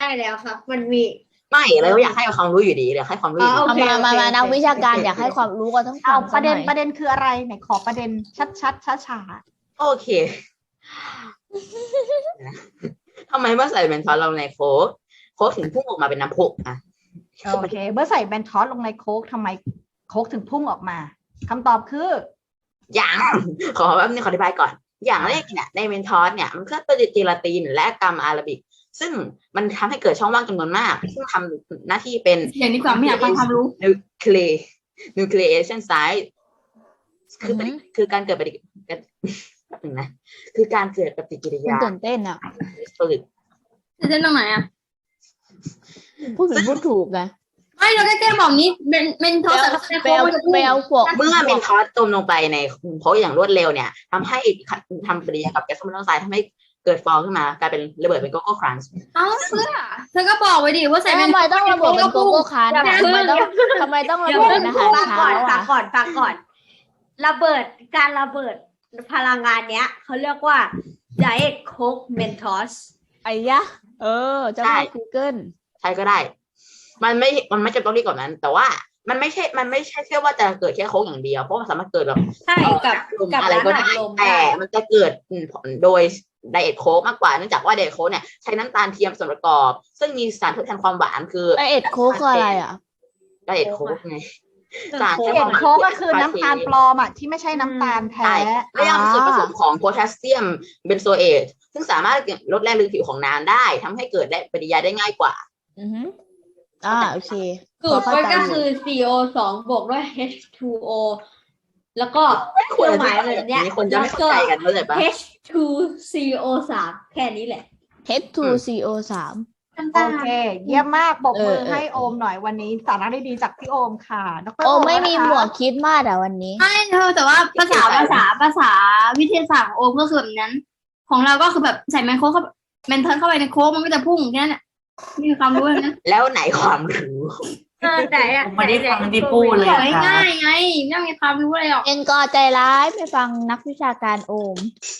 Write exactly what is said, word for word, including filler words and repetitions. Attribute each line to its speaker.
Speaker 1: ได้แล้วครับ มันมี
Speaker 2: ไม่เราอยากให้ความรู้อยู่ดีอยากให้ความรู้อยู่
Speaker 1: อ๋อ
Speaker 2: ดี
Speaker 1: โอ
Speaker 3: เอา
Speaker 1: เค
Speaker 3: มามามา
Speaker 1: โอเค
Speaker 3: นักวิชาการ
Speaker 1: โอเค
Speaker 3: อยากให้ความรู้ก็ต้อง
Speaker 4: เอา
Speaker 3: ฟัง
Speaker 4: ประเด็น
Speaker 3: สักห
Speaker 4: ป
Speaker 3: อย
Speaker 4: ระเด็นคืออะไรไหนขอประเด็นชัดชัดช้าช้า
Speaker 2: โอเคทำไมเมื่อใส่เบนทอสลงในโค้กโค้กถึงพุ่งออกมาเป็นน้ำพุอ่ะ
Speaker 4: ๆโอเคเมื่อใส่แบนทอสลงในโค้กทำไมโค้กถึงพุ่งออกมาคำตอบคือ
Speaker 2: อย่างขอแป๊บนึงขออธิบายก่อน อย่างแรกเนี่ยในเบนทอสเนี่ยมันก็เป็นเจลาตินและกัมอาราบิก ซึ่งมันทำให้เกิดช่องว่างจำนวนมาก ซึ่งทำหน้าที่เป็น
Speaker 1: อย่างนี้ก่อนไม่อยากฟังความรู้
Speaker 2: นิวเคลียนิวเคลียชันไซต์คือปฏิคือการเกิดปฏิกิริยาแป๊บนึงนะคือการเกิดปฏิกิริ
Speaker 3: คุณ
Speaker 2: ยา
Speaker 3: ตื่นเต้นอ่ะ
Speaker 2: ผลึก
Speaker 1: เส้นตรงไหนอ่ะ
Speaker 3: พูดผิดพูดถูกไง
Speaker 1: ไม่เราได้แก้บอกนี้เป็นเป็นโทรศัพท์
Speaker 3: ไปเอาไปเอาพวก
Speaker 2: เมื่อเบนทอสจมลงไปในโค้กอย่างรวดเร็วเนี่ยทำให้ทำปฏิกิริยากับแก๊สคาร์บอนไดออกไซด์ทำให้เกิดฟองขึ้นมากลายเป็นระเบิดเป็นโกโก้ครันช์
Speaker 1: เอ้าเพื่อเธอก็บอกไว้ดิว่าใส่
Speaker 3: ทำไมต้องระเบิดเป็นโกโก้คัน
Speaker 1: อย่า
Speaker 3: ทำ
Speaker 1: เพิ่ง
Speaker 3: ไมต้องทำไมต้องระเบิดเป็นอาหาร
Speaker 5: ฟัง
Speaker 3: เช้า
Speaker 5: ก่อนฟั
Speaker 3: อ่ะ
Speaker 5: งก่อนฟังก่อน ระเบิดการระเบิดพลังงานเนี้ยเขาเรียกว่า Diet Coke Mentos
Speaker 3: ไอ้ยะ เออเจะมา Google
Speaker 2: ใช่ก็ได้ มันไม่ มันไม่จำต้องรีบกว่านั้น แต่ว่ามันไม่ใช่ มันไม่ใช่แค่ว่าจะเกิดแค่โค้กอย่างเดียว เพราะมันสามารถเกิดแบบ
Speaker 5: ใช่กับ
Speaker 2: ลม
Speaker 5: กับ
Speaker 2: อะไร
Speaker 5: ร้าน
Speaker 2: ก็
Speaker 5: อั
Speaker 2: ได้
Speaker 5: ดลม
Speaker 2: แต่
Speaker 5: ได้
Speaker 2: มันจะเกิดผลโดยไดเอทโค้กมากกว่า เนื่องจากว่าไดเอทโค้กเนี่ยใช้น้ำตาลเทียมส่วนประกอบ ซึ่งมีสารทดแทนความหวานคือ
Speaker 3: ไอเอ็ดโค้กคืออะไรอ่ะ
Speaker 2: ไดเอทโค้กไง สาร
Speaker 5: โค้
Speaker 2: ทด
Speaker 4: เห็
Speaker 2: แท
Speaker 4: น
Speaker 2: น
Speaker 4: โค้กก็คือน้ำตาลปลอมอ่ะที่ไม่ใช่น้ำตาลแท้
Speaker 2: ใช่และยังมีส่วนผสมของโพแทสเซียมเบนโซเอทซึ่งสามารถลดแรงลึกผิวของน้ำได้ทำให้เกิดได้ปฏิกิริยาได้ง่ายกว่า
Speaker 3: อือฮึอ่าโอเค
Speaker 5: สูตรมันก็คือ ซี โอ สอง บวกด้วย เอช ทู โอ แล้วก็เครื่องหมายแบบเนี้ย
Speaker 2: มีคนจะไม่เข้าใจกันเข้าใจปะ
Speaker 5: เอช ทู ซี โอ สาม แค่นี้แหละ
Speaker 3: เอช ทู ซี โอ สาม
Speaker 4: โอเค เยี่ยมมากปรบมือ
Speaker 3: เออเออ
Speaker 4: ให้โอมหน่อยวันนี้สาระดีๆจากพี่โอมค่ะดร
Speaker 3: โอ้ไม่มี
Speaker 4: นะคะ
Speaker 3: หมวกคิดมากอ่ะวันนี้
Speaker 1: ไม่เธอแต่ว่าภาษาภาษาภาษาวิทยาศาสตร์ของโอมก็คือแบบนั้น ของเราก็คือแบบใส่แมนโค้กเข้าแมนเทิร์นเข้าไปในโค้กมันก็จะพุ่งแค่นั้นแหละไม่มีความรู้เลยนะ
Speaker 2: แล้วไหนความรู้
Speaker 5: เออไหนอะ
Speaker 6: ผมไม่ได้ฟังที่พูดเลย
Speaker 1: บอก
Speaker 6: ค่ะ
Speaker 1: ง่ายๆไงไม่ต้องมีความรู้อะไรหรอก
Speaker 3: เองก็ใจร้ายไปฟังนักวิชาการโอม